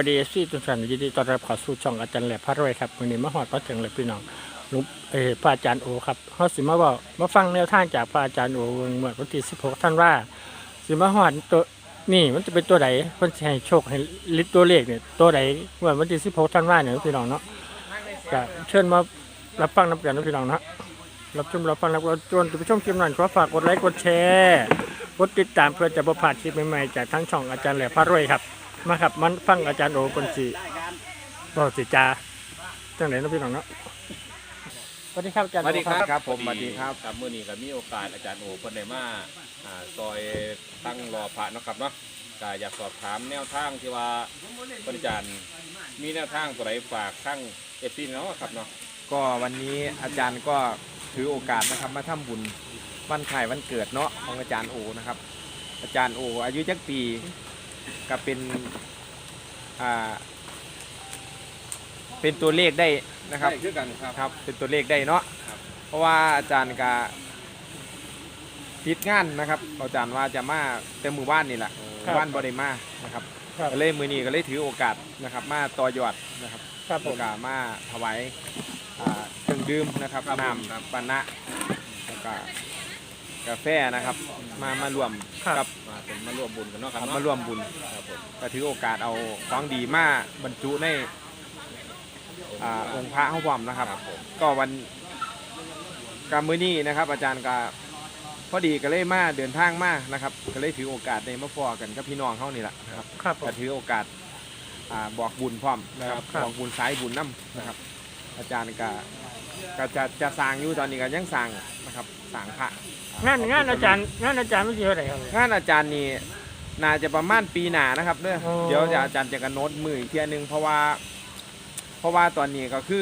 ดีเอฟซีทุกท่านยินดีต้อนรับเข้าสู่ช่องอาจารย์แหลบพระรวยครับวันนี้มาฮอดมาถึงเลยพี่น้องลุงพระอาจารย์โอครับเฮาสิมาบอกมาฟังแนวทางจากพระอาจารย์โอเมื่อวันที่16ธันวาสิมาฮอดตัวนี่มันจะเป็นตัวใดเพิ่นสิให้โชคให้ลิตตัวเลขเนี่ยตัวใดเมื่อวันที่16ธันวาเนี่ยพี่น้องเนาะก็เชิญมารับฟังนำกันนะพี่น้องเนาะรับฟังรับชวนผู้ชมคลิปนั้นขอฝากกดไลค์กดแชร์กดติดตามเพื่อจะบ่พลาดคลิปใหม่ๆจากทั้งช่องอาจารย์แหลบพระรวยครับมาครับมันฟังอาจารย์โอคนสิบอกสิจาจังไหนนะพี่น้องเนาะสวัสดีครับอาจารย์สวัสดีครับครับผมสวัสดีครับครับมื้อนี้ก็มีโอกาสอาจารย์โอเพิ่นได้มาซอยตั้งรอพระเนาะครับเนาะก็อยากสอบถามแนวทางที่ว่าเพิ่นอาจารย์มีแนวทางตัวใดฝากทั้ง FC เนาะครับเนาะก็วันนี้อาจารย์ก็ถือโอกาสนะครับมาทำบุญวันคล้ายวันเกิดเนาะของอาจารย์โอนะครับอาจารย์โออายุจักปีก็เป็นตัวเลขได้นะครับได้คือกันครับครับเป็นตัวเลขได้เนาะครับเพราะว่าอาจารย์ก็ติดงานนะครับอาจารย์ว่าจะมาแต่มือบ้านนี่แหละบ้านบริมานะครับครับก็เลยมือนี้ก็เลยถือโอกาสนะครับมาต่อยอดนะครับครับผมโอกาสมาถวายเครื่องดื่มนะครับครับน้ำปานะแล้วก็กาแฟนะครับมารวมกับมาร่วมบุญกันเนาะครับมาร่วมบุญครับผมก็ถือโอกาสเอาของดีมาบรรจุในองค์พระห้องนะครับครับผมก็วันกรรมมื้อนี้นะครับ อาจารย์ก็พอดีก็เลยมาเดินทางมานะครับ ก็เลยถือโอกาสในมาฟอกันกับพี่น้องเขานี่แหละนะครับครับผก็มถือโอกาสบอกบุญพร้อมนะครับครับบอกบุญสายบุญน้ำนะครับ อาจารย์ก็จะสร้างอยู่ตอนนี้ก็ยังสร้างนะครับสร้างพระงานอาจารย์ไม่ใช่เท่าไหร่ครับงานอาจารย์นี่น่าจะประมาณปีหน้านะครับเด้ออ๋อเดี๋ยวอาจารย์จะกระโน้ตมืออีกเทียหนึงเพราะว่าตอนนี้ก็คือ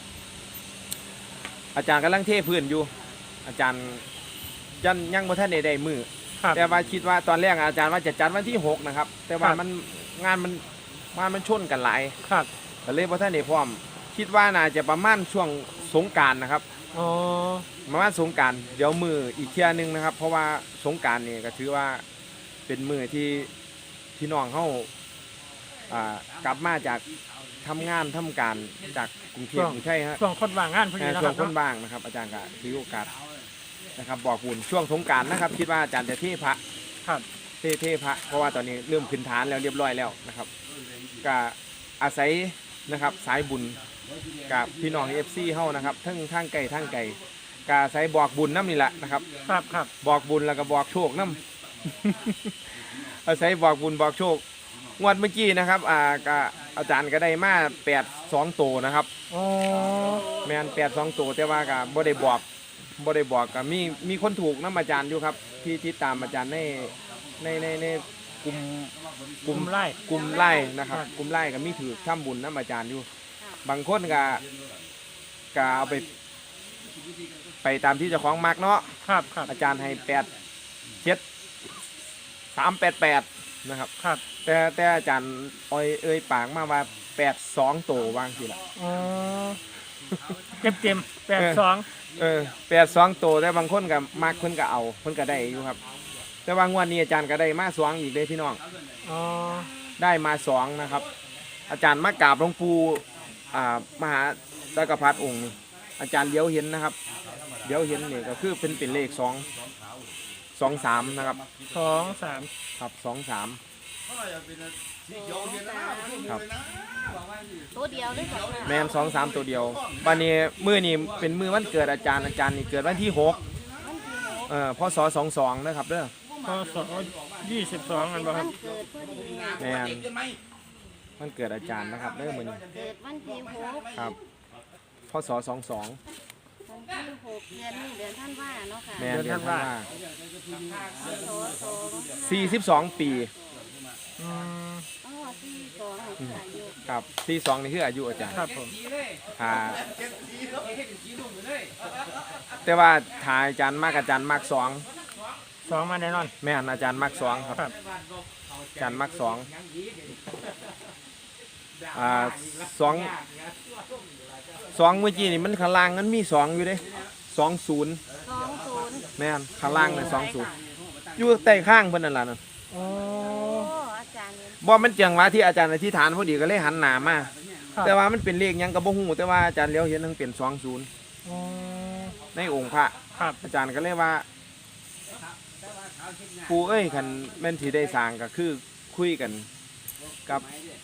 อาจารย์กำลังเทพื้นอยู่ อาจารย์ยังบ่ทันได้มือครับแต่ว่าคิดว่าตอนแรกอาจารย์ว่าจะจัดวันที่6นะครับ แต่ว่าครับงานมันชนกันหลายครับก็เลยบ่ทันได้พร้อม คิดว่าน่าจะประมาณช่วงสงกรานต์นะครับอ๋อประมาณสงกรานต์เดี๋ยวมืออีกเที่ยหนึงนะครับ เพราะว่าสงกรานต์นี่ก็ถือว่าเป็นมือที่พี่น้องเฮากลับมาจากทำงานทำการจากกรุงเทพกรุงไทยฮะช่วงคนว่างงานพอดีนะช่คว รังบคนบ้างนะครับ อาจารย์ก็ถือโอกาสนะครับ บอกบุญช่วงสงกรานต์นะครับ คิดว่าอาจารย์จะเทพระครับเทพระเพราะว่าตอนนี้เริ่มขึ้นฐานแล้วเรียบร้อยแล้วนะครับก็อาศัยนะครับสายบุญกับพี่น้อง FC เฮานะครับทั้งทางไกลทางไกลก็อาศัยบอกบุญน้ำนี่แหละนะครับครับครับบอกบุญแล้วก็บอกโชคน้ำ อาศัยบอกบุญบอกโชคงวดเมื่อกี้นะครับก็อาจารย์ก็ได้มา82ตัวนะครับอ๋อแมน82ตัวแต่ว่าก็บ่ได้บอกก็มีคนถูกน้ำอาจารย์อยู่ครับที่ตามอาจารย์ในกลุ่มกลุ่มไล่กลุ่มไล่นะครับครับกลุ่มไล่ก็มีถือทำบุญน้ำอาจารย์อยู่ บางคนก็เอาไปตามที่เจ้าของมักเนาะครับครับอาจารย์ให้388นะครับครับแต่อาจารย์เอ่ยปากมาว่า82ตัววางสิละอ๋อเต็ม82 82ตัวแต่บางคนก็มักเพิ่นก็เอาเพิ่นก็ได้อยู่ครับ แต่ว่างวดนี้อาจารย์ก็ได้มา2อีกเลยพี่น้องอ๋อได้มา2นะครับ อาจารย์มากราบหลวงปู่มหาจักรพรรดิองค์นี้อาจารย์เลี้ยวเห็นนะครับเลี้ยวเห็นนี่ก็คือเป็นเลข23นะครับ 2 3 ครับ23ครับตัวเดียวเลยค่ะแมน2-3ตัวเดียววันนี้มื้อนี้เป็นมื้อวันเกิดอาจารย์นี่เกิดวันที่6พศ22นะครับเด้อพศ22อันบ่ควัรับนเกิดพอดีแมนวันเกิดอาจารย์นะครับเด้อมื้อนี้เกิดวันที่6 ครับพศ22 วันที่6เดือนนี้เดือนท่านว่าเนาะค่ะแมนเดือนธันวาพศ 42 ปีอืมอ๋อ42คืออายุครับ42นี่คืออายุอาจารย์ครับผมแต่ว่าถ่ายอาจารย์มากอาจารย์มาก2 2มาแน่นอนแม่นอาจารย์มาก2ครับครับอาจารย์มาก22เมื่อกี้นี่มันข้างล่างมันมี2อยู่เด้20 20 แม่นข้างล่างน่ะ20อยู่ใต้ข้างเพิ่นนั่นล่ะนั่นอ๋อโอ้อาจารย์เนี่ยบ่มันจังหวะที่อาจารย์อธิษฐานพอดีก็เลยหันหน้ามาครับแต่ว่ามันเป็นเลขหยังก็บ่ฮู้แต่ว่าอาจารย์เลี้ยวเห็นทั้งเป็น20 อ๋อในองค์พระครับอาจารย์ก็เลยว่าปู่เอ้ยคันแม่นสิได้สร้างก็คือคุยกันกับ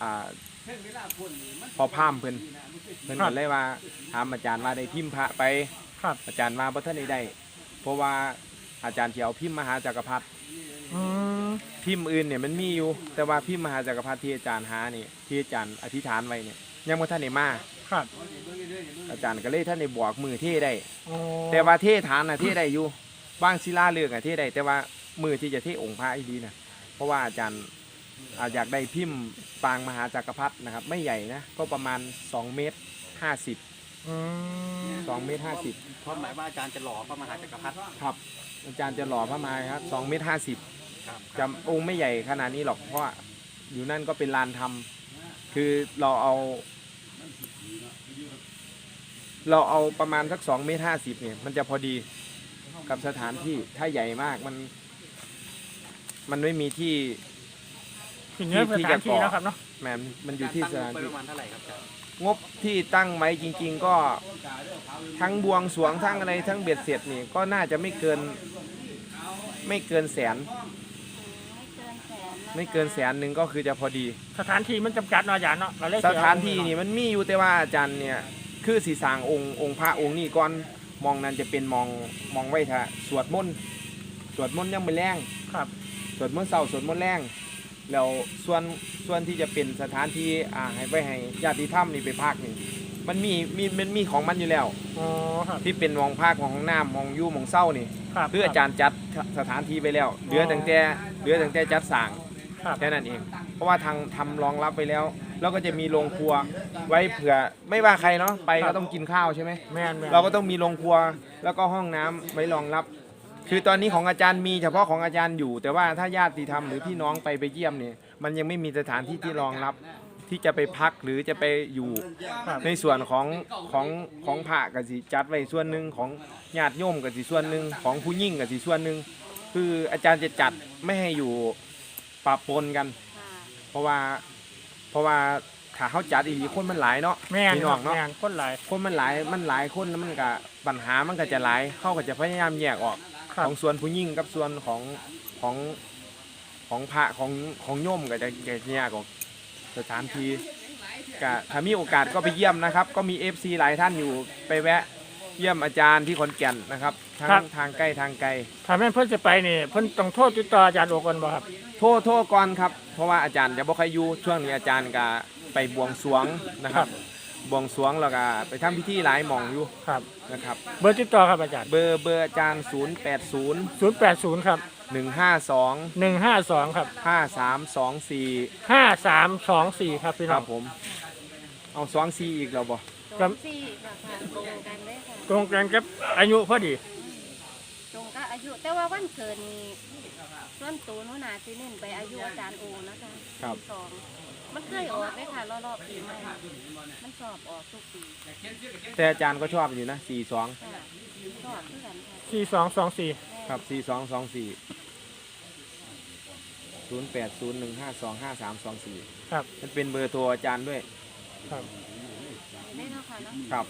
พอพามเพิ่นก็เลยว่าถามอาจารย์ว่าได้พิมพ์พระไปครับอาจารย์ว่าบ่ทันได้เพราะว่าอาจารย์สิเอาพิมพ์มหาจักรพรรดิอืมพิมพ์อื่นเนี่ยมันมีอยู่แต่ว่าพิมพ์มหาจักรพรรดิที่อาจารย์หานี่ที่อาจารย์อธิษฐานไว้เนี่ยยังบ่ทันได้มาครับอาจารย์ก็เลยท่านได้บอกมือเทได้อ๋อแต่ว่าเทฐานน่ะเทได้อยู่บางศิลาฤกษ์อ่ะเทได้แต่ว่ามือที่จะเทองค์พระอีดีนะเพราะว่าอาจารย์อยากได้พิมพ์ปางมหาจักรพรรดินะครับไม่ใหญ่นะก็ประมาณ2 เมตร 50 อืม 2 เมตรเพราะหมายว่าอาจารย์จะหล่อพระมหาจักรพรรดิ 50ครับอาจารย์จะหล่อพระมหาครับ2 เมตร 50 ครับจำองค์ไม่ใหญ่ขนาดนี้หรอกเพราะว่าอยู่นั่นก็เป็นลานธรรมคือเราเอาประมาณสัก2 เมตร 50เนี่ยมันจะพอดีกับสถานที่ถ้าใหญ่มากมันไม่มีที่ถึงเนื้อสที่ถาจะนที่ก่อแล้วครับเนาะแหมมันอยู่ที่สถานไปที่ประมาณเท่าไหร่ครับอาจารย์งบที่ตั้งไว้จริง ๆ ก็ทั้งบวงสรวงทั้งอะไรทั้งเบ็ดเสร็จนี่ก็น่าจะไม่เกินแสนไม่เกินแสนหนึ่งก็คือจะพอดีสถานที่มันจำกัดเนาะอาจารย์เนาะเราเลยสถานที่นี่มันมีอยู่แต่ว่าอาจารย์เนี่ยคือสีสร้างองค์พระองค์นี่ก่อนมองนั้นจะเป็นมองไว้ท่าสวดมนต์ยังไม่แรงครับสวดมนต์เช้าสวดมนต์แรงแล้วส่วนที่จะเป็นสถานที่ให้ไว้ให้ญาติธรรมนี่ไปพักนี่มันมีของมันอยู่แล้วอ๋อครับที่เป็นมองภาคมองห้องน้ำมองยู่มองเศร้านี่ครับคืออาจารย์จัดสถานที่ไปแล้วเหลือตั้งแต่จัดสร้างครับแค่นั้นเอง เพราะว่าทางทำรองรับไปแล้วแล้วก็จะมีโรงครัวไว้เผื่อไม่ว่าใครเนาะไปก็ต้องกินข้าวใช่ไหมแม่นเราก็ต้องมีโรงครัวแล้วก็ห้องน้ำไว้รองรับ คือตอนนี้ของอาจารย์มีเฉพาะของอาจารย์อยู่ แต่ว่าถ้าญาติธรรมหรือพี่น้องไปเยี่ยมเนี่ยมันยังไม่มีสถานที่ที่รองรับที่จะไปพักหรือจะไปอยู่ครับในส่วนของพระกับสิจัดไว้ส่วนหนึ่งของญาติโยมกับสิส่วนหนึ่งของผู้ยิ่งกับสิส่วนหนึ่งคืออาจารย์จะจัดไม่ให้อยู่ปะปนกันค่ะเพราะว่าถ้าเขาจัดอีกคนมันหลายเนาะแม่นพี่คน้รัอบ งเนาะแม่นคนหลายคนมันหลายคนแล้วมันก็ปัญหามันก็จะหลายเขาก็จะพยายามแยกออกครับของส่วนผู้ยิ่งกับส่วนของพระของโยมก็จะแยกออกสถานที่ก็ถ้ามีโอกาสก็ไปเยี่ยมนะครับ ก็มี FC หลายท่านอยู่ไปแวะเยี่ยมอาจารย์ที่ขอนแก่นนะครับทั้งทางใกล้ทางไกลถ้าแม่นเพิ่นจะไปนี่เพิ่นต้องโทษติดต่ออาจารย์โอก่อนบ่ครับโทษก่อนครับเพราะว่าอาจารย์จะบ่ค่อยอยู่ช่วงนี้อาจารย์ก็ไปบวงสรวงนะครับบวงสรวงแล้วก็ไปทำพิธีหลายหม่องอยู่ครับนะครับเบอร์ติดต่อครับอาจารย์เบอร์อาจารย์080 080ครับ 152 152ครับ 5324 5324ครับพี่คน้รัอบ งผมเอา24อีกแล้วบ่กับสี่ค่ะตรงกันเลยค่ะตรงกันกับอายุพอดีตรงกับอายุแต่ว่าวันเกิดนี่ส่วนตัวหนูนาสิเน้นไปอายุอาจารย์โอนะคะครับ 2มันเคยออกเลยค่ะรอบๆปีใหม่มันสอบออกทุกปีแต่อาจารย์ก็ชอบอยู่นะ42 ค่ะชอบเพื่อนค่ะ 4224 ครับ4224 0801525324 ครับมันเป็นเบอร์โทรอาจารย์ด้วยครับได้เนาะค่ะเนาะครับ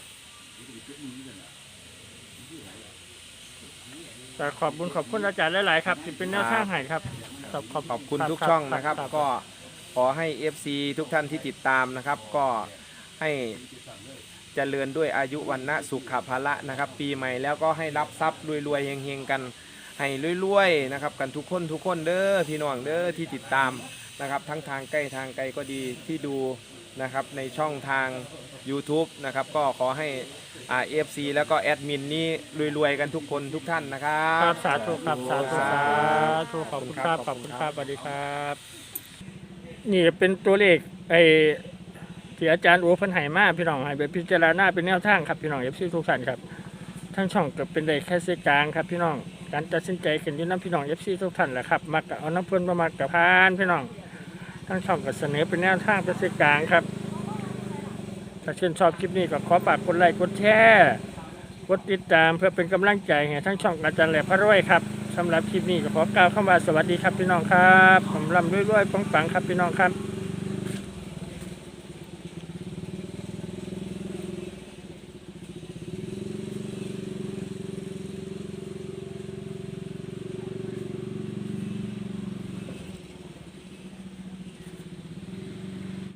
แต่ขอบคุณอาจารย์หลายๆครับที่เป็นแนวทางให้ครับขอบคุณทุกช่องนะครับ ก็ขอให้ FC ทุกท่านที่ติดตามนะครับ ก็ให้เจริญด้วยอายุวันนะสุขภาละนะครับ ปีใหม่แล้วก็ให้รับทรัพย์รวยๆเฮงๆกันให้รวยๆนะครับกันทุกคนเด้อพี่น้องเด้อที่ติดตามนะครับทั้งทางใกล้ทางไกลก็ดีที่ดูนะครับในช่องทาง YouTube นะครับก็ขอให้FC แล้วก็แอดมินนี่รวยๆกันทุกคนทุกท่านนะครัครับ บสาธุครับสาธุขอบคุณครับขขออบบ คุคุณ ณคครัรับ บสวัสดีครับนี่เป็นตัวเลขที่อาจารย์โอเพันไหมาพี่น้องให้ไปพิจารณาเป็นแนวทางครับพี่น้องเอฟซีทุกท่านครับทั้งช่องก็เป็นได้แค่เส้นกลางครับพี่น้องการตัดสินใจกันอยู่น้ำพี่น้องเอฟซีทุกท่านแหละครับมักเอาน้ำเพื่อนมามักกับพานพี่น้องทั้งช่องก็เสนอเป็นแนวทางเป็นเส้นกลางครับถ้าชื่นชอบคลิปนี้ก็ขอฝากกดไลค์กดแชร์กดติดตามเพื่อเป็นกำลังใจให้ทั้งช่องอาจารย์แหลมพระรวยครับสำหรับคลิปนี้ก็ขอกล่าวคำว่าสวัสดีครับพี่น้องครับผมร่ำรวยๆปังๆครับพี่น้องครับ